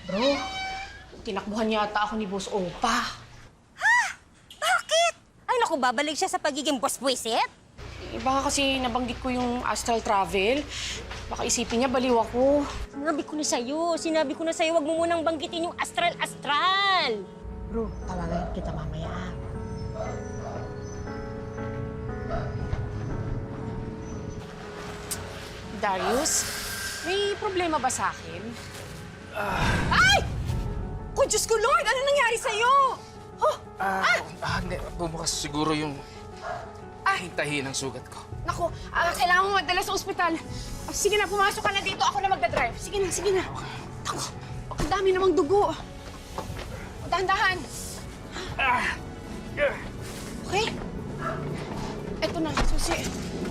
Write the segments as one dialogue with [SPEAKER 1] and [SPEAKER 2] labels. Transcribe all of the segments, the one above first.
[SPEAKER 1] Bro, tinakbuhan yata ako ni Boss Opa.
[SPEAKER 2] Bakit? Ay naku, babalik siya sa pagiging boss buwisit?
[SPEAKER 1] Baka kasi nabanggit ko yung astral travel. Baka isipin niya baliw ako.
[SPEAKER 2] Sinabi ko na sa'yo, wag mo munang banggitin yung astral-astral.
[SPEAKER 1] Bro, tawagan kita mamaya. Darius, may problema ba sa akin?
[SPEAKER 2] Ay! Ko, Diyos ko, Lord! Ano nangyari sa'yo?
[SPEAKER 3] Hindi. Bumukas siguro yung tahi ng sugat ko.
[SPEAKER 1] Naku, kailangan mo magdala sa ospital. Sige na, pumasok ka na dito. Ako na magdadrive. Sige na, sige na. Naku, ang dami namang dugo. Dahan-dahan. Okay? Eto na, susi.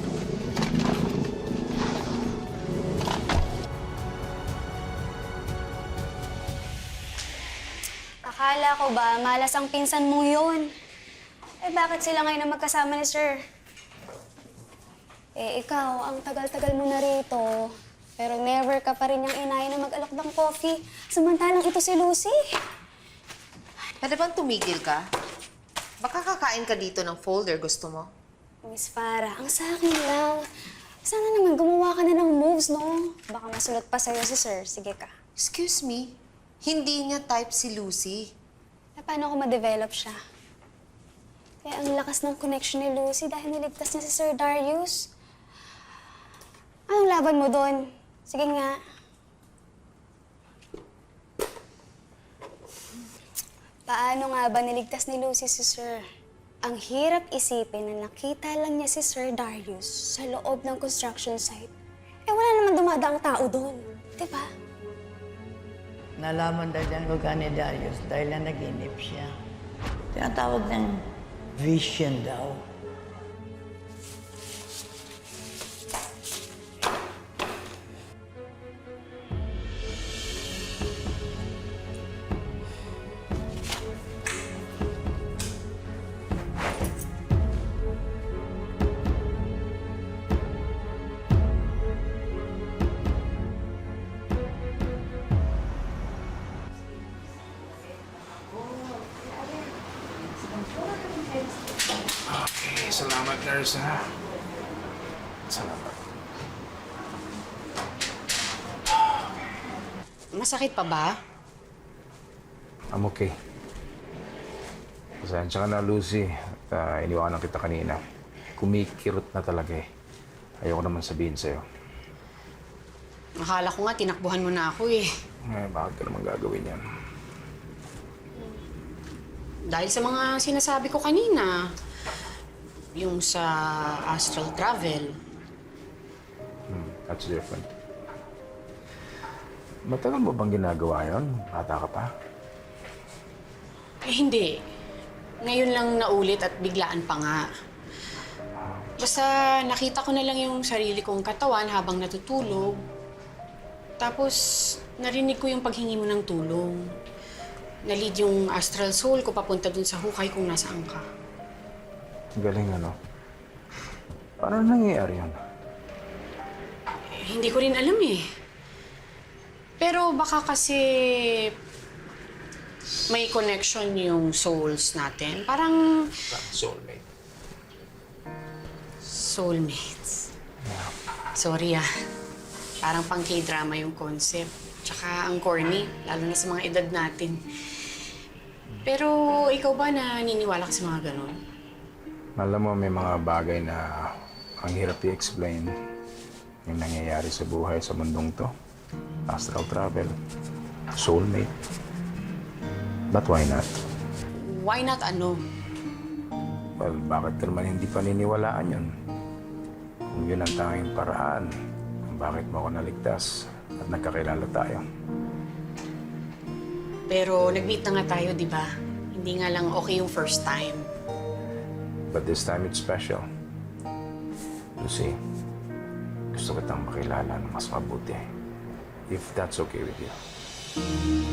[SPEAKER 4] Akala ko ba, malas ang pinsan mo yun? Eh, bakit sila ngayon na magkasama ni Sir? Eh, ikaw, ang tagal-tagal mo na rito. Pero never ka pa rin yung inaya na mag-alok ng coffee. Samantalang ito si Lucy.
[SPEAKER 5] Pwede bang tumigil ka? Baka kakain ka dito ng folder, gusto mo?
[SPEAKER 4] Miss Farah, ang sa akin lang. Sana naman gumawa ka na ng moves, no? Baka masulot pa sa'yo si Sir. Sige ka.
[SPEAKER 5] Excuse me, hindi niya type si Lucy.
[SPEAKER 4] Eh, paano ko ma-develop siya? Kaya ang lakas ng connection ni Lucy dahil niligtas niya si Sir Darius. Anong laban mo doon? Sige nga. Paano nga ba niligtas ni Lucy si Sir? Ang hirap isipin na nakita lang niya si Sir Darius sa loob ng construction site. Eh wala naman dumadaang tao doon. Diba?
[SPEAKER 6] Nalaman daw ang lugar ni Darius dahil na naginip siya. Tinatawag ng vision daw.
[SPEAKER 3] Okay, salamat, nurse, ha? Salamat.
[SPEAKER 1] Masakit pa ba?
[SPEAKER 3] I'm okay. Pasensya ka na, Lucy. Iniwanan kita kanina. Kumikirot na talaga eh. Ayoko naman sabihin sa'yo.
[SPEAKER 1] Akala ko nga tinakbuhan mo na ako eh.
[SPEAKER 3] Bakit ka naman gagawin yan?
[SPEAKER 1] Dahil sa mga sinasabi ko kanina. Yung sa astral travel.
[SPEAKER 3] That's different. Matagal mo bang ginagawa yun? Bata ka pa?
[SPEAKER 1] Eh, hindi. Ngayon lang naulit at biglaan pa nga. Basta nakita ko na lang yung sarili kong katawan habang natutulog. Tapos narinig ko yung paghingi mo ng tulong. Nalid yung astral soul ko papunta dun sa hukay kung nasaan ka.
[SPEAKER 3] Galing ano? Paano nangyayari yun?
[SPEAKER 1] Eh, hindi ko rin alam eh. Pero baka kasi may connection yung souls natin. Parang
[SPEAKER 3] Soulmate.
[SPEAKER 1] soulmates. Sorry ah. Parang pang K-drama yung concept. Tsaka ang corny, lalo na sa mga edad natin. Pero ikaw ba naniniwala ka sa mga ganon?
[SPEAKER 3] Alam mo, may mga bagay na ang hirap i-explain yung nangyayari sa buhay sa mundong to. Astral travel, soulmate. But why not?
[SPEAKER 1] Why not ano?
[SPEAKER 3] Well, bakit ka naman hindi paniniwalaan yun? Kung yun ang tanging paraan, kung bakit mo ako naligtas at nagkakilala tayo.
[SPEAKER 1] Pero nag-meet na nga tayo, di ba? Hindi nga lang okay yung first time.
[SPEAKER 3] But this time it's special. Lucy, gusto kitang makilala ng mas mabuti. If that's okay with you.